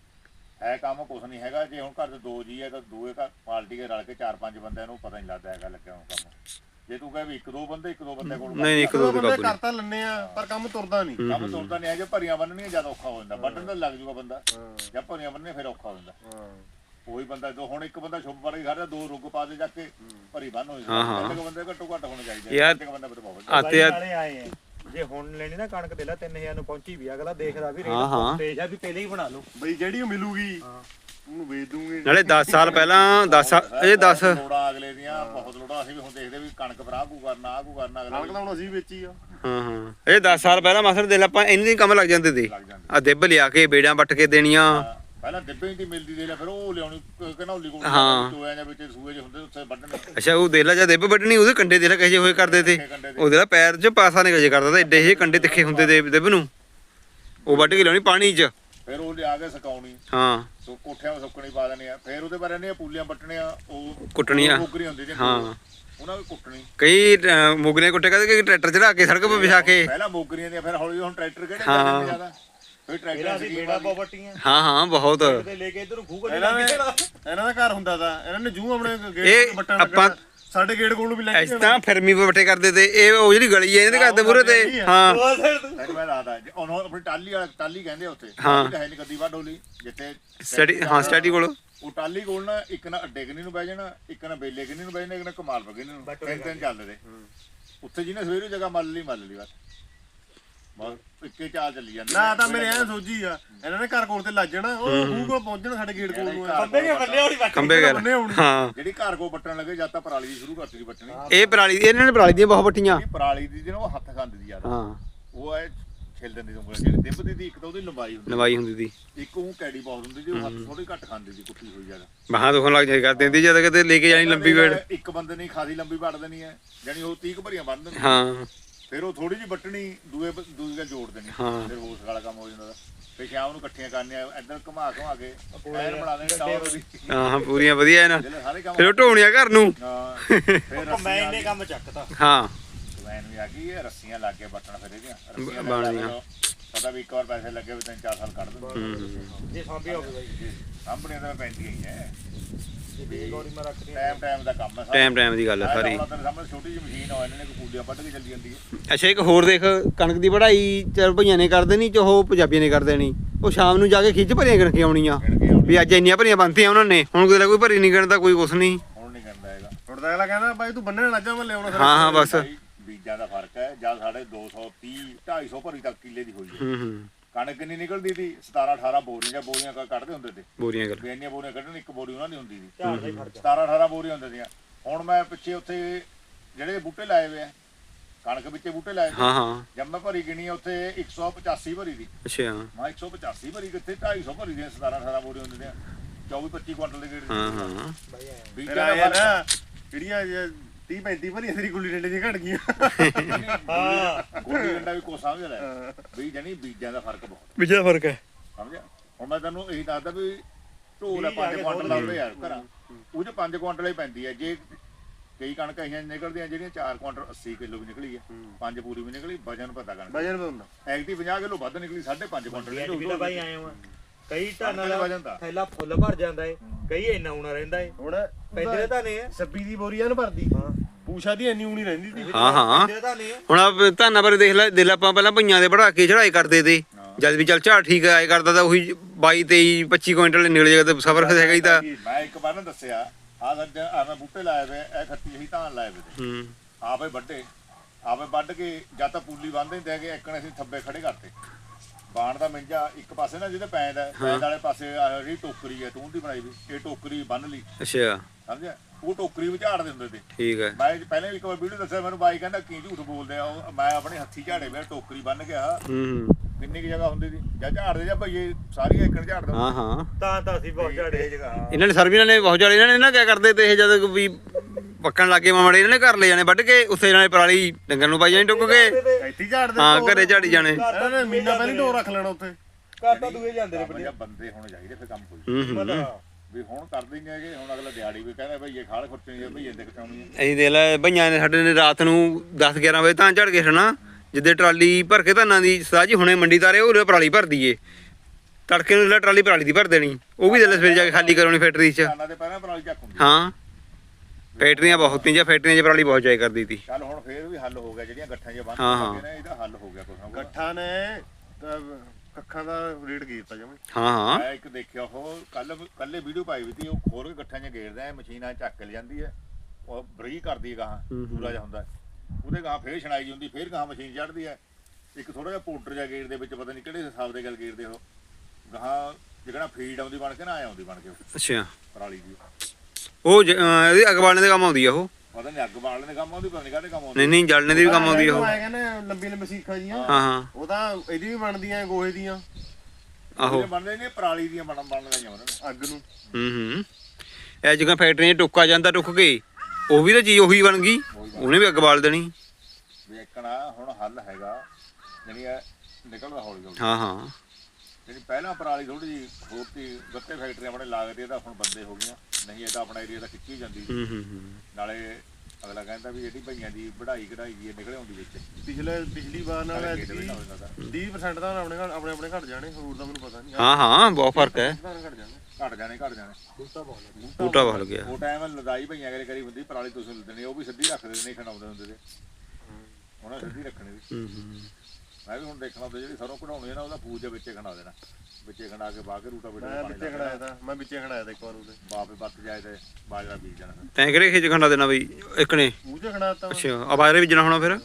ਹੈ ਕੰਮ ਕੁਛ ਨਹੀਂ ਹੈਗਾ ਜੇ ਹੁਣ ਘਰ ਦੇ 2 ਜੀ ਹੈ ਤਾਂ ਦੋਏ ਪਾਰਟੀ ਕੇ ਰਲ ਕੇ 4-5 ਬੰਦਿਆਂ ਨੂੰ ਪਤਾ ਨਹੀਂ ਲੱਗਦਾ ਹੈਗਾ ਲੱਗਿਆ ਹੁਣ ਕੰਮ ਜੇ ਤੂੰ ਕਹੇ ਵੀ 1-2 ਬੰਦੇ ਕੋਲ
ਨਹੀਂ ਇੱਕ ਦੋ
ਬੰਦੇ ਕਰਤਾ ਲੈਣੇ ਆ ਪਰ ਕੰਮ ਤੁਰਦਾ ਨਹੀਂ
ਕੰਮ ਤੁਰਦਾ ਨਹੀਂ ਹੈ ਜੇ ਭਰੀਆਂ ਬੰਨਣੀਆਂ ਜ਼ਿਆਦਾ ਔਖਾ ਹੋ ਜਾਂਦਾ ਵੱਢਣ ਦਾ ਲੱਗ ਜੂਗਾ ਬੰਦਾ ਜਾਂ ਭਰੀਆਂ ਬੰਨਣੀਆਂ ਫਿਰ ਔਖਾ ਹੋ ਜਾਂਦਾ ਉਹੀ ਬੰਦਾ ਜੋ ਹੁਣ ਇੱਕ ਬੰਦਾ ਸ਼ੁੱਭ ਵੜ ਕੇ ਖੜਦਾ 2 ਰੁੱਗ ਪਾ ਦੇ ਜਾ ਕੇ ਭਰੀ ਬੰਨ ਹੋ ਜਾਂਦਾ ਇੱਕ ਬੰਦੇ ਘੱਟੋ ਘੱਟ ਹੋਣੇ ਚਾਹੀਦੇ
ਯਾਰ
ਇੱਕ ਬੰਦਾ ਬਹੁਤ
ਆਤੇ
ਵਾਲੇ ਆਏ ਆ ਜੇ ਹੁਣ ਲੈਣੀ ਨਾ ਕਣਕ ਦੇ ਲਾ 3000 ਨੂੰ ਪਹੁੰਚੀ ਵੀ ਅਗਲਾ ਦੇਖਦਾ ਵੀ
ਹਾਂ।
ਤੇਜ ਆ ਵੀ ਪਹਿਲੇ ਹੀ ਬਣਾ ਲਓ ਬਈ ਜਿਹੜੀ ਉਹ ਮਿਲੂਗੀ ਉਹਨੂੰ ਵੇਚ ਦੂੰਗੇ
ਨਾਲੇ 10 ਸਾਲ ਪਹਿਲਾਂ 10 ਇਹ 10
ਲੋੜਾਂ ਅਗਲੇ ਦੀਆਂ ਬਹੁਤ ਲੋੜਾਂ ਅਸੀਂ ਵੀ ਹੁਣ ਦੇਖਦੇ ਵੀ ਕਣਕ ਪਰ ਆਹ ਕਰਨਾ ਅਗਲਾ
ਕਣਕ ਤਾਂ ਹੁਣ ਅਸੀਂ ਵੇਚੀ ਆ
ਹਾਂ ਇਹ 10 ਸਾਲ ਪਹਿਲਾਂ ਮਾਸਰ ਦੇ ਲਾ ਆਪਾਂ ਇਹਨਾਂ ਦੀ ਕੰਮ ਲੱਗ ਜਾਂਦੇ ਤੇ
ਲੱਗ ਜਾਂਦੇ
ਆ ਦਿੱਬ ਲਿਆ ਕੇ ਬੇੜਾਂ ਵੱਟ ਕੇ ਦੇਣੀਆਂ
ਪਹਿਲਾਂ ਡੱਬੇ ਦੀ ਮਿਲਦੀ ਦੇ ਲੈ ਫਿਰ ਉਹ ਲਿਆਉਣੀ ਕਨੌਲੀ ਕੋਲ ਚੋਇਆ ਜਾਂ ਵਿੱਚ ਸੂਏ ਜਿਹੇ ਹੁੰਦੇ ਉੱਥੇ ਵੱਢਣੇ
ਅੱਛਾ ਉਹ ਦੇਖ ਲਾ ਜਾਂ ਦਿੱਬ ਵੱਢਣੀ ਉਹਦੇ ਕੰਡੇ ਦੇ ਲਾ ਕਹੇ ਹੋਏ ਕਰਦੇ ਤੇ ਉਹਦੇ ਲਾ ਪੈਰ 'ਚ ਪਾਸਾ ਨਿਕਲ ਜੇ ਕਰਦਾ ਤਾਂ ਏਡੇ ਜਿਹੇ ਕੰਡੇ ਤਿੱਖੇ ਹੁੰਦੇ ਦੇ ਦਿੱਬ ਨੂੰ ਉਹ ਵੱਢ ਕੇ ਲਿਆਉਣੀ ਪਾਣੀ 'ਚ
ਫਿਰ ਉਹ ਲਿਆ ਕੇ ਸੁਕਾਉਣੀ
ਹਾਂ
ਸੋ ਕੋਠਿਆਂ 'ਤੇ ਸੁੱਕਣੀ ਪਾ ਦੇਣੀ ਆ ਫਿਰ ਉਹਦੇ ਬਾਰੇ ਨੇ ਪੂਲੀਆਂ ਵੱਟਣੀਆਂ ਉਹ
ਕੁੱਟਣੀਆਂ
ਮੋਗਰੀ ਹੁੰਦੀ ਜੀ
ਹਾਂ
ਉਹਨਾਂ ਨੂੰ ਕੁੱਟਣੀ
ਕਈ ਮੁਗਲੇ ਕੁੱਟੇ ਕਹਿੰਦੇ ਕਿ ਟਰੈਕਟਰ ਚੜਾ ਕੇ ਸੜਕ 'ਤੇ ਵਿਛਾ ਕੇ
ਪਹਿਲਾਂ ਮੋਗਰੀਆਂ ਦੀਆਂ ਫਿਰ ਹੌਲੀ ਹੁਣ ਟਰੈਕਟਰ ਕਿਹੜੇ ਚੱਲਦੇ ਜ਼ਿਆਦਾ ਫਿਰ ਟਰੈਕਟਰ
ਅਸੀਂ ਬੇੜਾ ਪਾਵਟੀਆਂ
ਹਾਂ ਬਹੁਤ
ਤੇ ਲੈ ਕੇ ਇਧਰ ਖੂਹ ਕੋਲ ਲੱਗ ਜਾਣਾ ਇਹਨਾਂ ਦਾ ਘਰ ਹੁੰਦਾ ਤਾਂ ਇਹਨਾਂ ਨੇ ਜੂ ਆਪਣੇ
ਇਹ ਆਪਾਂ
ਸਾਡੇ ਗੇਟ ਕੋਲ ਨੂੰ ਵੀ ਲੈ
ਇਸ ਤਾਂ ਫਿਰਮੀ ਬੱਟੇ ਕਰਦੇ ਤੇ ਇਹ ਉਹ ਜਿਹੜੀ ਗਲੀ ਹੈ ਇਹਦੇ ਘਰ ਦੇ ਮੂਹਰੇ ਤੇ ਹਾਂ
ਤੈਨੂੰ ਮੈਂ ਦੱਸਦਾ ਉਹਨੂੰ ਆਪਣੀ ਟਾਲੀ ਕਹਿੰਦੇ ਉੱਥੇ ਟਾਹਲੀ ਹੈ ਨਹੀਂ ਕਦੀ ਵਾ ਡੋਲੀ ਜਿੱਥੇ
ਸਟੱਡੀ ਕੋਲ
ਉਹ ਟਾਲੀ ਕੋਲ ਨਾ ਇੱਕ ਨਾ ਅੱਡੇ ਕਿੰਨੀ ਨੂੰ ਬਹਿ ਜਾਣਾ ਇੱਕ ਨਾ ਬੇਲੇ ਕਿੰਨੀ ਨੂੰ ਬਹਿ ਜਾਣਾ ਇੱਕ ਨਾ ਕਮਾਲ ਕਿੰਨੀ ਨੂੰ ਤਿੰਨ ਚੱਲਦੇ ਉੱਥੇ ਜਿਹਨੇ ਸਵੇਰੇ ਜਗ੍ਹਾ ਮੱਲ ਲਈ ਬਸ ਇੱਕੇ ਚਾਲ ਚੱਲੀ ਜਾਂਦੀ
ਨਾ ਤਾਂ ਮੇਰੇ ਐ ਸੋਝੀ ਆ ਇਹਨਾਂ ਨੇ ਘਰ ਕੋਲ ਤੇ ਲੱਜ ਜਾਣਾ ਉਹ ਖੂਹ ਕੋਲ ਪਹੁੰਚਣਾ ਸਾਡੇ ਗੇਟ ਕੋਲ ਨੂੰ
ਖੰਬੇ ਗੱਲ ਹਾਂ
ਜਿਹੜੀ ਘਰ ਕੋ ਵੱਟਣ ਲੱਗੇ ਜਦ ਤਾਂ ਪਰਾਲੀ ਦੀ ਸ਼ੁਰੂ ਕਰਤੀ ਵੱਟਣੀ
ਇਹ ਪਰਾਲੀ ਇਹਨਾਂ ਨੇ ਪਰਾਲੀ ਦੀਆਂ ਬਹੁਤ ਵੱਟੀਆਂ
ਪਰਾਲੀ ਦੀ ਜਿਹਨੂੰ ਹੱਥ ਖਾਂਦੀ ਦੀ ਯਾਰ
ਹਾਂ
ਉਹ ਐ ਛਿਲ ਦਿੰਦੀ ਉਂਗਲ ਜਿਹੜੀ ਦਿੰਬਦੀ ਦੀ ਇੱਕ ਤਾਂ ਉਹਦੀ
ਲੰਬਾਈ ਹੁੰਦੀ ਸੀ
ਇੱਕ ਉਹ ਕੈੜੀ ਬਹੁਤ ਹੁੰਦੀ ਸੀ ਉਹ ਹੱਥ ਥੋੜੀ ਘੱਟ ਖਾਂਦੀ ਸੀ ਕੁੱਟੀ ਹੋਈ ਯਾਰ
ਬਾਹਾਂ ਦੁਖਣ ਲੱਗ ਜਾਏ ਕਰ ਦਿੰਦੀ ਜਦ ਕਿਤੇ ਲੈ ਕੇ ਜਾਣੀ ਲੰਬੀ ਵੇੜ
ਇੱਕ ਬੰਦੇ ਨੇ ਖਾਦੀ ਲੰਬੀ ਵੱਢ ਦੇਣੀ ਹੈ ਜਾਨੀ ਉਹ 30 ਭਰੀਆਂ ਬੰਨ ਦੇਣੀ
ਹਾਂ
ਫਿਰ ਉਹ ਥੋੜੀ ਜਿਹੀ ਵੱਟਣੀ ਦੂਏ ਨਾਲ ਜੋੜ ਦੇਣੀ ਫਿਰ ਹੋਸ ਵਾਲਾ ਕੰਮ ਹੋ ਜਾਂਦਾ ਫਿਰ ਸ਼ਾਮ ਨੂੰ ਇਕੱਠੀਆਂ ਕਰਨੀਆਂ ਇੱਧਰ ਘੁਮਾ ਕੇ ਐਨ ਬਣਾ ਦੇਣੀ ਟਾਵਰ ਉਹਦੀ
ਹਾਂ ਪੂਰੀਆਂ ਵਧੀਆ ਇਹਨਾਂ
ਸਾਰੇ ਕੰਮ
ਫਿਰ ਉਹ ਢੋਣੀਆਂ ਘਰ ਨੂੰ
ਹਾਂ ਫਿਰ
ਮੈਂ ਇਹਨੇ ਕੰਮ ਚੱਕਤਾ
ਹਾਂ
ਵੈਨ ਵੀ ਆ ਗਈ ਇਹ ਰੱਸੀਆਂ ਲੱਗ ਕੇ ਵੱਟਣ ਫਿਰ ਇਹਦੀਆਂ ਰੱਸੀਆਂ
ਬਣਦੀਆਂ
ਪਤਾ ਵੀ ਇੱਕ ਵਾਰ ਪੈਸੇ ਲੱਗੇ ਵੀ 3-4 ਸਾਲ ਕੱਢ ਦਿੰਦੇ
ਜੇ ਸਾਂਭੀ ਹੋਵੇ ਬਾਈ
ਸਾਹਮਣੇ ਤਾਂ ਪੈਂਦੀਆਂ ਹੀ ਐ
ਜੇ ਬੇਗੌਰੀ ਮੈਂ ਰੱਖਦੀ
ਟਾਈਮ ਦਾ ਕੰਮ ਹੈ
ਟਾਈਮ ਦੀ ਗੱਲ ਹੈ ਸਾਰੀ
ਹੁਣ ਤੇਰੇ ਸਾਹਮਣੇ ਛੋਟੀ ਜਿਹੀ ਮਸ਼ੀਨ ਆ ਇਹਨਾਂ ਨੇ ਕੂਲੀਆਂ ਵੱਢ ਕੇ ਚੱਲੀ ਜਾਂਦੀ ਹੈ
ਅੱਛਾ ਇੱਕ ਹੋਰ ਦੇਖ ਕਣਕ ਦੀ ਵਢਾਈ ਚਾਰ ਭਈਆਂ ਨੇ ਕਰ ਦੇਣੀ ਚਾਹੋ ਪੰਜਾਬੀਆਂ ਨੇ ਕਰ ਦੇਣੀ ਉਹ ਸ਼ਾਮ ਨੂੰ ਜਾ ਕੇ ਖਿੱਚ ਭਰੀਆਂ ਕਰਕੇ ਆਉਣੀਆਂ ਵੀ ਅੱਜ ਇੰਨੀਆਂ ਭਰੀਆਂ ਬੰਨਤੀਆਂ ਉਹਨਾਂ ਨੇ ਹੁਣ ਕੋਈ ਭਰੀ ਨਹੀਂ ਕਰਦਾ ਕੋਈ ਕੁਛ ਨਹੀਂ
ਹੁਣ ਨਹੀਂ ਕਰਦਾ ਹੈਗਾ
ਹੁਣ ਤਾਂ ਅਗਲਾ ਕਹਿੰਦਾ ਬਾਈ ਤੂੰ ਬੰਨਣ ਲੱਜਾ ਮੈਂ ਲਿਆਉਣਾ
ਹਾਂ ਬਸ
ਬੀਜਾਂ ਦਾ ਫਰਕ ਹੈ ਜਦ ਸਾਡੇ 230 250 ਭਰੀ ਤੱਕ ਕਿੱਲੇ ਦੀ ਹੋਈ ਹੈ
ਹੂੰ
ਕਣਕ ਕਿੰਨੀ ਨਿਕਲਦੀ ਸੀ 17-18 ਬੋਰੀਆਂ ਕੱਢਦੇ ਹੁੰਦੇ ਤੇ
ਬੋਰੀਆਂ ਕਰ
ਵੀ ਇੰਨੀਆਂ ਬੋਰੀਆਂ ਕੱਢਣ ਇੱਕ ਬੋਰੀ ਉਹਨਾਂ ਦੀ ਹੁੰਦੀ ਸੀ
ਝਾੜ ਦਾ ਹੀ ਫਰਕ
17-18 ਬੋਰੀਆਂ ਹੁੰਦੀਆਂ ਸੀ ਹੁਣ ਮੈਂ ਪਿੱਛੇ ਉੱਥੇ ਜਿਹੜੇ ਬੂਟੇ ਲਾਏ ਹੋਏ ਆ ਕਣਕ ਵਿੱਚੇ ਬੂਟੇ ਲਾਏ
ਹਾਂ
ਜਦ ਮੈਂ ਭਰੀ ਗਿਣੀ ਉੱਥੇ 185 ਭਰੀ ਦੀ
ਅੱਛਾ
ਮੈਂ 185 ਭਰੀ ਕਿੱਥੇ 250 ਭਰੀ ਦੀਆਂ 17-18 ਬੋਰੀਆਂ ਹੁੰਦੀਆਂ 24-25 ਕੁਇੰਟਲ ਦੇ ਗੇੜ
ਹਾਂ
ਬੀਜਾਂ ਦਾ
ਯਾਰ
ਫਰਕ
ਜਿਹੜੀਆਂ 30-35 ਭਰੀਆਂ ਤੇਰੀ ਗੁੱਲੀ ਡੰਡੇ ਦੀਆਂ ਘਟ ਗਈਆਂ
ਹਾਂ
ਗੋਲੀ ਡੰਡਾ ਵੀ ਕੋ ਸਮਝ ਲੈ ਵੀ ਜਾਨੀ ਬੀਜਾਂ ਦਾ ਫਰਕ ਬਹੁਤ
ਵਿਚਾ ਫਰਕ ਹੈ
ਸਮਝਿਆ ਹੁਣ ਮੈਂ ਤੈਨੂੰ ਇਹੀ ਦੱਸਦਾ ਵੀ ਢੋਲ 5 ਕੁਇੰਟਲ ਦਾ ਹੋਵੇ ਯਾਰ ਘਰਾਂ ਉਹ ਚ 5 ਕੁਇੰਟਲ ਹੀ ਪੈਂਦੀ ਹੈ ਜੇ ਕਈ ਕਣਕ ਆਈਆਂ ਨਿਕਲਦੀਆਂ ਜਿਹੜੀਆਂ 4 ਕੁਇੰਟਲ 80 ਕਿਲੋ ਵੀ ਨਿਕਲੀ ਹੈ 5 ਪੂਰੀ ਵੀ ਨਿਕਲੀ ਵਜਨ ਪਤਾ ਕਰਨਾ
ਵਜਨ ਹੁੰਦਾ
ਐਗਤੀ 50 ਕਿਲੋ ਵੱਧ ਨਿਕਲੀ 5.5 ਕੁਇੰਟਲ
ਵੀ ਤਾਂ ਬਾਈ ਆਏ ਹਾਂ ਕਈ ਢਾਨਾਂ
ਦਾ
ਦਾ
ਵਜਨ ਦਾ
ਥੈਲਾ ਫੁੱਲ ਭਰ ਜਾਂਦਾ ਏ ਕਈ ਇੰਨਾ ਉਣਾ ਰਹਿੰਦਾ ਏ
ਹੁਣ
ਪੈਦਲੇ ਧਾਨੇ ਆ
ਸੱਬੀ ਦੀ ਬੋਰੀਆਂ ਨੂੰ ਭਰਦੀ ਪੂਛਾ ਦੀ ਇੰਨੀ ਉਣੀ ਰਹਿੰਦੀ ਸੀ
ਹਾਂ
ਪੈਦਲੇ ਧਾਨੇ ਆ
ਹੁਣ ਆਹ ਧਾਨਾਂ ਬਾਰੇ ਦੇਖ ਲੈ ਦਿਲ ਆਪਾਂ ਪਹਿਲਾਂ ਭਈਆਂ ਦੇ ਵਢਾ ਕੇ ਚੜਾਈ ਕਰਦੇ ਤੇ ਜਦ ਵੀ ਚੱਲ ਝਾੜ ਠੀਕ ਆਏ ਕਰਦਾ ਤਾਂ ਉਹੀ 22-23-25 ਕੁਇੰਟਲ ਨਿਕਲ ਜਾਏਗਾ ਤੇ ਸਬਰ ਹੈਗਾ ਹੀ ਤਾਂ
ਮੈਂ ਇੱਕ ਵਾਰ ਨਾ ਦੱਸਿਆ ਆ ਮੈਂ ਬੂਟੇ ਲਾਏ ਵੇ ਇਹ ਖੱਤੀ ਜਿਹੀ ਧਾਨ ਲਾਏ ਵੇ
ਹੂੰ
ਆਪੇ ਵੱਢੇ ਆਪੇ ਵੱਢ ਕੇ ਜਾਂ ਤਾਂ ਪੂਲੀ ਬੰਨ੍ਹਦੇ ਹੁੰਦੇ ਹੈਗੇ ਇੱਕਣ ਅਸੀਂ ਥੱਬੇ ਖੜੇ ਕਰਤੇ ਬਾਣ ਦਾ ਮਿੰਜਾ ਇੱਕ ਪਾਸੇ ਨਾ ਜਿਹਦੇ ਪੈਂਦ ਹੈ ਪੈਂਦ ਵਾਲੇ ਪਾਸੇ ਜਿਹੜੀ ਟੋਕਰੀ ਹੈ ਤੂੰ ਦੀ ਬਣਾਈ ਵੀ ਇਹ ਟੋਕਰੀ ਬੰਨ ਲਈ
ਅੱਛਾ
ਸਮਝਿਆ ਉਹ ਟੋਕਰੀ ਵਿੱਚ ਝਾੜਦੇ ਹੁੰਦੇ ਤੇ
ਠੀਕ ਹੈ
ਮੈਂ ਪਹਿਲਾਂ ਵੀ ਇੱਕ ਵਾਰ ਵੀਡੀਓ ਦੱਸਿਆ ਮੈਨੂੰ ਬਾਈ ਕਹਿੰਦਾ ਕੀ ਝੂਠ ਬੋਲਦੇ ਆ ਉਹ ਮੈਂ ਆਪਣੇ ਹੱਥੀ ਝਾੜੇ ਵੇ ਟੋਕਰੀ ਬੰਨ ਗਿਆ
ਹੂੰ
ਕਿੰਨੀ ਕੀ ਜਗ੍ਹਾ ਹੁੰਦੀ ਸੀ ਜਾਂ ਝਾੜਦੇ ਜਾਂ ਭਈਏ ਸਾਰੀਆਂ ਇੱਕਣ ਝਾੜਦੇ
ਹਾਂ
ਤਾਂ ਅਸੀਂ ਬਹੁਤ ਝਾੜੇ
ਜਗ੍ਹਾ ਹਾਂ
ਇਹਨਾਂ ਨੇ ਸਰਵੀਆਂ ਨੇ ਬਹੁਤ ਜਾੜੇ ਇਹਨਾਂ ਨੇ ਕਿਆ ਕਰਦੇ ਤੇ ਇਹ ਜਦ ਵੀ ਪੱਕਣ ਲੱਗੇ ਮਾੜੇ ਇਹਨਾਂ ਨੇ ਘਰ ਲੈ ਜਾਣੇ ਵੱਢ ਕੇ ਉੱਥੇ ਨਾਲੇ ਪਰਾਲੀ ਡੰਗਰ ਨੂੰ ਪਾਈ ਜਾਣੀ ਟੁੱਕ ਕੇ
ਇੱਥੇ ਝਾੜਦੇ
ਹਾਂ ਘਰੇ ਝਾੜੀ ਜਾਣੇ
ਇਹਨਾਂ ਨੇ ਮਹੀਨਾ ਪਹਿਲਾਂ ਢੋਰ ਰੱਖ ਲੈਣਾ ਉੱਥੇ
ਘਰ ਤਾਂ ਦੂਏ ਜਾਂਦੇ ਨੇ
ਜਾਂ ਬੰਦੇ ਹੋਣੇ ਚਾਹੀਦੇ ਫਿਰ ਕੰਮ ਕੋਈ
ਹੂੰ
ਵੀ ਹੁਣ ਕਰਦੇ ਹੀ ਹੈਗੇ ਹੁਣ ਅਗਲਾ ਦਿਹਾੜੀ ਵੀ ਕਹਿੰਦਾ ਭਈਏ ਖਾਲ ਖੁਰਚਣੀ ਹੈ ਭਈਏ ਦੇ ਕਟਾਉਣੀ ਹੈ
ਅਸੀਂ ਦੇਖ ਲੈ ਭਈਆਂ ਨੇ ਸਾਡੇ ਨੇ ਰਾਤ ਨੂੰ 10-11 ਵਜੇ ਤਾਂ ਝੜ ਕੇ ਖੜਨਾ ਜਿੱਦੇ ਟਰਾਲੀ ਭਰ ਕੇ ਧਾਨਾਂ ਦੀ ਸਾਜੀ ਹੁਣੇ ਮੰਡੀ ਤਾਰੇ ਉਹ ਪਰਾਲੀ ਭਰ ਦਈਏ ਤੜਕੇ ਨੂੰ ਟਰਾਲੀ ਪਰਾਲੀ ਦੀ ਭਰ ਦੇਣੀ ਉਹ ਵੀ ਦੇਲੇ ਸਵੇਰੇ ਜਾ ਕੇ ਖਾਲੀ ਕਰਾਉਣੀ ਫੈਕਟਰੀ 'ਚ
ਕਿਸਾਨਾਂ ਦੇ ਪਹਿਲਾਂ ਪਰਾਲੀ ਚੱਕ ਹੁੰਦੀ
ਹਾਂ ਫੈਕਟਰੀਆਂ ਬਹੁਤ ਜਾਂ ਫੈਕਟਰੀਆਂ 'ਚ ਪਰਾਲੀ ਬਹੁਤ ਜਾਇਆ ਕਰਦੀ ਸੀ
ਚੱਲ ਹੁਣ ਫੇਰ ਵੀ ਹੱਲ ਹੋ ਗਿਆ ਜਿਹੜੀਆਂ ਗੱਠਾਂ ਜਿਹੀਆਂ ਬੰਦ
ਹਾਂ,
ਹੋ
ਹਾਂ।
ਗਈਆਂ ਨੇ ਇਹਦਾ ਹੱਲ ਹੋ ਗਿਆ ਕੁਛ ਨਾ ਕੁਛ।
ਗੱਠਾਂ ਨੇ ਤਾਂ ਕੱਖਾਂ ਦਾ ਰੇਟ ਕੀਤਾ ਜਮੇ
ਹਾਂ
ਮੈਂ ਇੱਕ ਦੇਖਿਆ ਉਹ ਕੱਲੇ ਵੀਡੀਓ ਪਾਈ ਵੀ ਤੀ ਉਹ ਖੋਲ ਕੇ ਗੱਠਾਂ 'ਚ ਗੇੜਦਾ ਹੈ ਮਸ਼ੀਨਾਂ ਚੱਕ ਕੇ ਜਾਂਦੀ ਹੈ ਉਹ ਬਰੀ ਕਰਦੀ ਹੈ ਗਾਹਾਂ ਪੂਰਾ ਜਿਹਾ ਹੁੰਦਾ ਉਹਦੇ ਗਾਹਾਂ ਫੇਰ ਛਣਾਈ ਹੁੰਦੀ ਫੇਰ ਗਾਹਾਂ ਮਸ਼ੀਨ ਚੜਦੀ ਹੈ ਇੱਕ ਥੋੜਾ ਜਿਹਾ ਪਾਊਡਰ ਜਿਹਾ ਗੇੜ ਦੇ ਵਿੱਚ ਪਤਾ ਨਹੀਂ ਕਿਹੜੇ ਹਿਸਾਬ ਦੇ ਗੱਲ ਗੇੜਦੇ ਉਹ ਗਾਹਾਂ ਜਿਹੜਾ ਫੀਡ ਆਉਂਦੀ ਬਣ ਕੇ ਨਾ ਆਉਂਦੀ ਬਣ ਕੇ
ਅੱਛਾ
ਪਰਾਲੀ ਦੀ
ਉਹ ਇਹਦੀ ਅੱਗ ਬਾਲਣ ਦੇ ਕੰਮ ਆਉਂਦੀ ਆ ਉਹ
ਪਤਾ ਨਹੀਂ ਅੱਗ ਬਾਲਣ ਦੇ ਕੰਮ ਆਉਂਦੀ ਪਤਾ ਨਹੀਂ ਕਾਹਦੇ ਕੰਮ ਆਉਂਦੀ
ਨਹੀਂ ਜਲਣੇ ਦੀ ਵੀ ਕੰਮ ਆਉਂਦੀ ਆ ਉਹ
ਆਏ ਕਹਿੰਦੇ ਲੰਬੀ ਲੰਬੀ ਸੀਖਾਂ ਜੀਆਂ
ਹਾਂ
ਉਹ ਤਾਂ ਇਹਦੀ ਵੀ ਬਣਦੀਆਂ ਗੋਹੇ ਦੀਆਂ
ਆਹੋ
ਬਣਦੇ ਨੇ ਪਰਾਲੀ ਦੀਆਂ ਬਣ ਲਗਾਈਆਂ ਉਹਨਾਂ ਨੇ
ਅੱਗ ਨੂੰ
ਹੂੰ ਇਹ ਜਗ੍ਹਾ ਫੈਕਟਰੀਆਂ 'ਚ ਟੁੱਕਾ ਜਾਂਦਾ ਟੁੱਕ ਕੇ ਉਹ ਵੀ ਤਾਂ ਚੀਜ਼ ਉਹੀ ਬਣ ਗਈ ਉਹਨੇ ਵੀ ਅੱਗ ਬਾਲ ਦੇਣੀ
ਵੇਖਣਾ ਹੁਣ ਹੱਲ ਹੈਗਾ ਜਿਹੜੀ ਇਹ ਨਿਕਲਦਾ ਹੌਲੀ ਹੌਲੀ
ਹਾਂ
ਜਿਹੜੀ ਪਹਿਲਾਂ ਪਰਾਲੀ ਥੋੜੀ ਜਿਹੀ ਹੋਰ ਤੀ ਗੱਤੇ ਫੈਕਟਰੀਆਂ ਆਪਣੇ ਲਾਗਦੇ ਇਹਦਾ ਹੁਣ ਬੰਦੇ ਹੋ ਗਈਆਂ ਨਹੀਂ ਇਹ ਤਾਂ ਆਪਣਾ ਏਰੀਆ ਤਾਂ ਖਿੱਚੀ ਜਾਂਦੀ
ਹੂੰ
ਨਾਲੇ ਅਗਲਾ ਕਹਿੰਦਾ ਵੀ ਜਿਹੜੀ ਭਈਆਂ ਦੀ ਵਢਾਈ ਕਢਾਈ ਜੀ ਨਿਕਲੇ ਆਉਂਦੀ ਵਿੱਚ
ਪਿਛਲੀ ਵਾਰ ਨਾਲ
ਗੇਟ
ਐਤਕੀ
ਵੀ ਨਾ ਹੋ ਜਾਂਦਾ
30% ਤਾਂ ਆਪਣੇ ਆਪਣੇ ਘਟ ਜਾਣੇ ਹੋਰ ਤਾਂ ਮੈਨੂੰ ਪਤਾ ਨਹੀਂ
ਹਾਂ ਹਾਂ ਬਹੁਤ ਫਰਕ ਹੈ
ਘਟ ਜਾਣੇ
ਘਟ ਜਾਣੇ
ਬੂਟਾ ਬਹਲ ਗਿਆ
ਉਹ ਟਾਈਮ ਲਦਾਈ ਭਈਆਂ ਕਰੇ ਕਰੀ ਹੁੰਦੀ ਪਰਾਲੀ ਤੁਸੀਂ ਲਦਣੀ ਉਹ ਵੀ ਸਿੱਧੀ ਰੱਖਦੇ ਨੇ ਖਣਾਉਂਦੇ ਹੁੰਦੇ ਤੇ ਉਹਨਾਂ ਸਿੱਧੀ ਰੱਖਣੀ ਵੀ ਮੈਂ ਵੀ ਹੁਣ ਦੇਖਣਾ ਹੁੰਦਾ ਜਿਹੜੀ ਸਰੋਂ ਕਢਾਉਣੀ ਹੈ ਨਾ ਉਹਦਾ ਫੂਜ ਦੇ ਵਿੱਚੇ ਖਣਾ ਦੇਣਾ ਵਿੱਚੇ ਖਣਾ ਕੇ ਬਾਹ ਕੇ ਰੂਟਾ
ਮੈਂ
ਬੇਟਾ
ਵਿੱਚੇ ਖੜਾਇਆ ਤਾਂ ਮੈਂ ਵਿੱਚੇ ਖੜਾਇਆ ਤਾਂ ਇੱਕ ਵਾਰ ਉਹਦੇ
ਬਾਪੇ ਬੱਤ ਜਾਏ ਤੇ ਬਾਜਰਾ ਬੀਜ ਜਾਣਾ
ਤੈਂ ਕਿਹੜੇ ਖੇਚ ਖੰਡਾ ਦੇਣਾ ਬਈ ਇੱਕ ਨੇ
ਮੂੰਹ 'ਚ ਖੜਾਤਾ
ਅੱਛਾ ਆ ਬਾਜਰੇ ਬੀਜਣਾ ਹੋਣਾ ਫਿਰ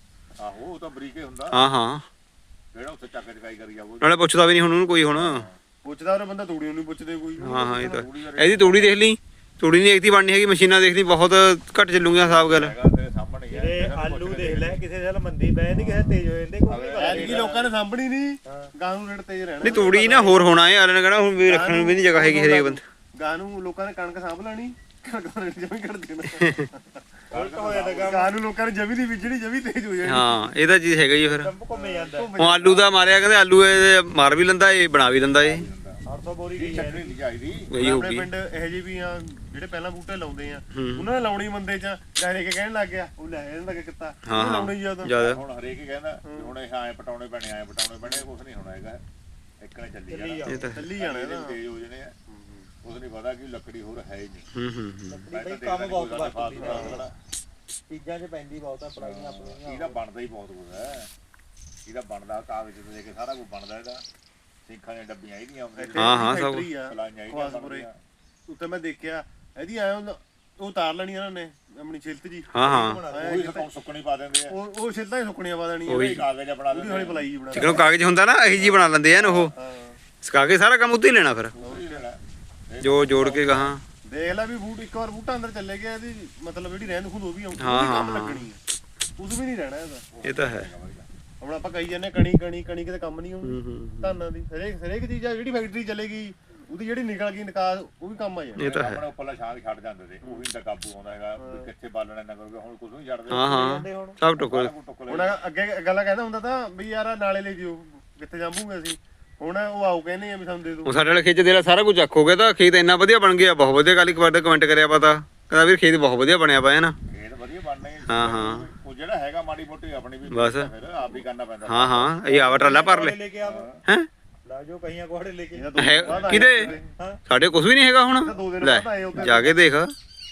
ਆਹੋ ਉਹ ਤਾਂ ਬਰੀਕੇ ਹੁੰਦਾ
ਹਾਂ ਹਾਂ
ਜਿਹੜਾ ਉੱਥੇ ਚੱਕ ਚਕਾਈ ਕਰੀ ਜਾਵੋ
ਨਾਲੇ ਪੁੱਛਦਾ ਵੀ ਨਹੀਂ ਹੁਣ ਉਹਨੂੰ ਕੋਈ ਹੁਣ
ਪੁੱਛਦਾ ਉਹ ਬੰਦਾ ਤੂੜੀ ਨੂੰ ਨਹੀਂ ਪੁੱਛਦੇ ਕੋਈ
ਹਾਂ ਹਾਂ ਇਹ ਤਾਂ ਇਹਦੀ ਤੂੜੀ ਦੇਖ ਲਈ ਤੂੜੀ ਨਹੀਂ ਇੱਕਤੀ ਬਣਨੀ ਹੈਗੀ ਮਸ਼ੀਨਾਂ ਦੇਖ ਲਈ ਬਹੁਤ ਘੱਟ ਚੱਲੂਗੀਆਂ ਸਾਫ ਗੱਲ
ਹੈਗਾ ਤੇਰੇ ਸਾਹਮਣੇ ਹੀ ਹੈ
ਜਿਹੜੇ ਆਲੂ ਦੇਖ ਲੈ ਕਿਸੇ ਸਾਲ ਮੰਦੀ ਪੈ ਜਾਂਦੀ ਕਿਸੇ ਤੇਜ਼ ਹੋ ਜਾਂਦੇ ਕੋਈ ਨਹੀਂ ਪਤਾ
ਐਤਕੀ ਲੋਕਾਂ ਨੇ ਸਾਂਭਣੀ ਨਹੀਂ ਗਾਂ ਨੂੰ ਰੇਟ ਤੇਜ਼ ਰਹਿਣਾ
ਨਹੀਂ ਤੂੜੀ ਨਾ ਹੋਰ ਹੋਣਾ ਹੈ ਆਲੇ ਨੇ ਕਹਿਣਾ ਹੁਣ ਵੀ ਰੱਖਣ ਨੂੰ ਵੀ ਨਹੀਂ ਜਗ੍ਹਾ ਹੈਗੀ ਹਰੇਕ ਬੰਦੇ
ਗਾਂ ਨੂੰ ਲੋਕਾਂ ਨੇ ਕਣਕ ਸਾਂਭ ਲੈਣੀ ਕਣਕ ਦਾ ਰੇਟ ਜਮੀ ਘਟ ਦੇਣਾ
ਉਲਟ ਹੋ ਜਾਂਦਾ ਕੰਮ
ਗਾਂ ਨੂੰ ਲੋਕਾਂ ਨੇ ਜਮੀ ਦੀ ਵਿਜਣੀ ਜਮੀ ਤੇਜ਼ ਹੋ ਜਾਣੀ
ਹਾਂ ਇਹ ਤਾਂ ਚੀਜ਼ ਹੈਗਾ ਹੀ ਆ ਫਿਰ
ਕੰਮ ਘੁੰਮੇ ਜਾਂਦਾ
ਹੁਣ ਆਲੂ ਦਾ ਮਾਰਿਆ ਕਹਿੰਦੇ ਆਲੂ ਇਹ ਮਾਰ ਵੀ ਲੈਂਦਾ ਇਹ ਬਣਾ ਵੀ ਲੈਂਦਾ ਇਹ
800 ਬੋਰੀ ਗਈ
ਚੱਕਣੀ ਨਹੀਂ ਚਾਹੀਦੀ
ਗਈ ਹੋ
ਆਪਣੇ
ਗਈ
ਪਿੰਡ ਇਹੋ ਜਿਹੇ ਵੀ ਆ ਜਿਹੜੇ ਪਹਿਲਾਂ ਬੂਟੇ ਲਾਉਂਦੇ ਆ
ਹੂੰ।
ਉਹਨਾਂ ਨੇ ਲਾਉਣੀ ਮੰਦੇ ਚ ਡਾਇਰੇ ਕੇ ਕਹਿਣ ਲੱਗ ਗਿਆ ਉਹ ਲੈ ਇਹਨਾਂ ਦਾ ਕੀਤਾ
ਹਾਂ ਹਾਂ
ਲਾਉਣੀ ਜ਼ਿਆਦਾ
ਜਿਆਦਾ
ਹੁਣ ਹਰੇਕ ਹੀ ਕਹਿੰਦਾ ਵੀ ਹੁਣ ਇਹ ਆਏ ਪਟਾਉਣੇ ਪੈਣੇ ਕੁਝ ਨਹੀਂ ਹੋਣਾ ਹੈਗਾ ਇੱਕ ਨੇ ਚੱਲੀ ਜਾਣਾ
ਇਹ ਤਾਂ
ਚੱਲੀ ਜਾਣਾ
ਇਹਦੇ
ਇਹਦਾ
ਤੇਜ਼ ਹੋ ਜਣੇ ਆ ਕੁਝ ਨਹੀਂ ਪਤਾ ਕਿ ਲੱਕੜੀ ਹੋਰ ਹੈ ਹੀ ਨਹੀਂ
ਹੂੰ
ਬਈ ਕੰਮ ਬਹੁਤ ਵਰਤਦੀ ਚੀਜ਼ਾਂ 'ਚ ਪੈਂਦੀ ਬਹੁਤ ਆ ਪੜਾਈਆਂ ਆਪਣੀਆਂ
ਇਹਦਾ ਬਣਦਾ ਹੀ ਬਹੁਤ ਕੁਝ ਹੈ ਇਹਦਾ ਬਣਦਾ ਕਾਗਜ਼ ਤੋਂ ਲੈ ਕੇ ਸਾਰਾ ਕੁਝ ਬਣਦਾ ਇਹਦਾ ਸਿੰਖਾਂ ਦੀਆਂ ਡੱਬੀਆਂ ਇਹਦੀਆਂ ਆਉਂਦੀਆਂ
ਹਾਂ, ਹਾਂ, ਸਭ।
ਫੈਕਟਰੀ ਆ
ਫਲਾਈਆਂ ਇਹਦੀਆਂ
ਖਵਾਸਪੁਰੇ
ਬਣਦੀਆਂ।
ਉੱਤੇ ਮੈਂ ਦੇਖਿਆ ਇਹਦੀ ਆਇਆ ਉਹ ਉਤਾਰ ਲੈਣੀ ਇਹਨਾਂ ਨੇ ਆਪਣੀ ਛਿਲਤ ਜੀ
ਹਾਂ ਹਾਂ
ਉਹੀ ਸੁੱਕਣ ਸੁੱਕਣੀ ਪਾ ਦਿੰਦੇ ਆ
ਉਹ ਛਿਲਤਾਂ ਹੀ ਸੁੱਕਣੀਆਂ ਪਾ ਦੇਣੀਆਂ
ਉਹੀ।
ਕਾਗਜ਼ ਬਣਾ
ਉਹਦੀ ਹੌਲੀ
ਦਿੰਦੇ
ਪਲਾਈ ਜੀ ਬਣਾ
ਜਦੋਂ ਕਾਗਜ਼ ਹੁੰਦਾ ਨਾ ਇਹੀ ਜੀ ਬਣਾ ਲੈਂਦੇ ਆ ਨਾ ਉਹ
ਹਾਂ
ਸਕਾ ਕੇ ਸਾਰਾ ਕੰਮ ਉੱਤੇ ਹੀ ਲੈਣਾ ਫਿਰ
ਉਹੀ ਲੈਣਾ।
ਜੋ ਜੋੜ ਕੇ ਗਾਹਾਂ
ਦੇਖ ਲੈ ਵੀ ਬੂਟ ਇੱਕ ਵਾਰ ਬੂਟਾ ਅੰਦਰ ਚੱਲੇ ਗਿਆ ਇਹਦੀ ਮਤਲਬ ਜਿਹੜੀ ਰਹਿੰਦ ਖੁੰਦ ਉਹ ਵੀ ਆਉਂਦੀ
ਹਾਂ,
ਉਹਦੀ ਕੰਮ
ਹਾਂ,
ਲੱਗਣੀ ਹੈ ਕੁਝ ਵੀ ਨਹੀਂ ਰਹਿਣਾ ਇਹਦਾ
ਇਹ ਤਾਂ ਹੈ
ਹੁਣ ਆਪਾਂ ਕਹੀ ਜਾਂਦੇ ਕਣੀ ਕਿਤੇ ਕੰਮ ਨਹੀਂ ਆਉਂਦੀ ਧਾਨਾਂ ਦੀ ਹਰੇਕ ਚੀਜ਼ ਆ ਜਿਹੜੀ ਫੈਕਟਰੀ ਚੱਲੇਗੀ ਉਹਦੀ ਜਿਹੜੀ ਨਿਕਲ ਗਈ ਨਿਕਾਸ ਉਹ ਵੀ ਕੰਮ ਆ ਜਾਣਾ
ਇਹ ਤਾਂ ਹੈ
ਆਪਣੇ ਉੱਪਰਲਾ ਛਾਂ ਛੱਡ ਜਾਂਦੇ ਤੇ ਉਹ ਵੀ ਤਾਂ ਕਾਬੂ ਆਉਂਦਾ ਹੈਗਾ ਵੀ ਕਿੱਥੇ ਬਾਲਣਾ ਨਾ ਕਰੋਗੇ ਹੁਣ ਕੁਝ ਨਹੀਂ ਛੱਡਦੇ
ਹਾਂ ਹਾਂ ਸਭ ਟੁਕੜ
ਹੁਣ ਅੱਗੇ ਗੱਲਾਂ ਕਹਿੰਦਾ ਹੁੰਦਾ ਤਾਂ ਵੀ ਯਾਰ ਨਾਲੇ ਲੈ ਜਿਓ ਕਿੱਥੇ ਜਾਵਾਂਗੇ ਅਸੀਂ ਹੁਣ ਉਹ ਆਉ ਕਹਿੰਦੇ ਆ ਵੀ ਸਾਨੂੰ ਦੇ ਦਿਓ
ਉਹ ਸਾਡੇ ਵਾਲੇ ਖੇਤ ਦੇ ਨਾਲ ਸਾਰਾ ਕੁਝ ਚੱਕ ਹੋ ਗਿਆ ਤਾਂ ਖੇਤ ਇੰਨਾ ਵਧੀਆ ਬਣ ਗਿਆ ਬਹੁਤ ਵਧੀਆ ਕੱਲ ਇੱਕ ਵਾਰ ਕਮੈਂਟ ਕਰਿਆ ਪਤਾ ਕਹਿੰਦਾ ਵੀਰ ਖੇਤ ਬਹੁਤ ਵਧੀਆ ਬਣਿਆ ਪਿਆ ਹੈ ਨਾ
ਇਹ ਤਾਂ ਵਧੀਆ ਬਣਨਾ ਹੀ
ਹਾਂ ਹਾਂ
ਉਹ ਜਿਹੜਾ ਹੈਗਾ ਮਾੜੀ ਮੋਟੀ ਆਪਣੀ ਵੀ
ਬਸ।
ਫਿਰ ਆਪ ਵੀ ਕਰਨਾ ਪੈਂਦਾ
ਹਾਂ ਹਾਂ ਇਹ ਆਵਾ ਟਰਾਲਾ ਭਰ ਲੈ
ਲੈ ਕੇ ਆਵੋ
ਹੈ
ਲਾ ਜੋ ਕਈਆਂ ਕੋਹੜੇ ਲੈ ਕੇ
ਹੈ ਕਿਤੇ ਸਾਡੇ ਕੁਝ ਵੀ ਨਹੀਂ ਹੈਗਾ ਹੁਣ
ਦੋ ਦਿਨ
ਲੈ
ਬਾਅਦ ਆਏ ਉੱਧਰ।
ਜਾ ਕੇ ਦੇਖ
ਹਾਂ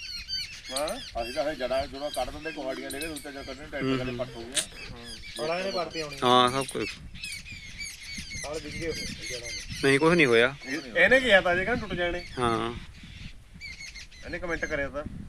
ਅਸੀਂ ਤਾਂ ਇਹ ਜੜਾ ਜਦੋਂ ਕੱਢ ਦਿੰਦੇ ਕੁਹਾੜੀਆਂ ਦੇ ਕੇ ਉੱਤੇ ਜਾ ਕੱਢਣੇ ਟਰੈਕਟਰ ਕਦੇ ਪੱਟ ਹੋ ਗਿਆ
ਬੜਾ ਇਹਨੇ ਭਰਤੀ ਆਉਣੀ
ਹਾਂ ਸਭ ਕੁਝ
ਸਾਲ ਵਿੰਗੇ ਹੋਏ ਜੜਾ
ਨਹੀਂ ਕੁਝ ਨਹੀਂ ਹੋਇਆ
ਇਹਨੇ ਕਿਹਾ ਤਾਂ ਜੇ ਕਹਿੰਦਾ ਟੁੱਟ ਜਾਣੇ
ਹਾਂ
ਇਹਨੇ ਕਮੈਂਟ ਕਰਿਆ ਤਾਂ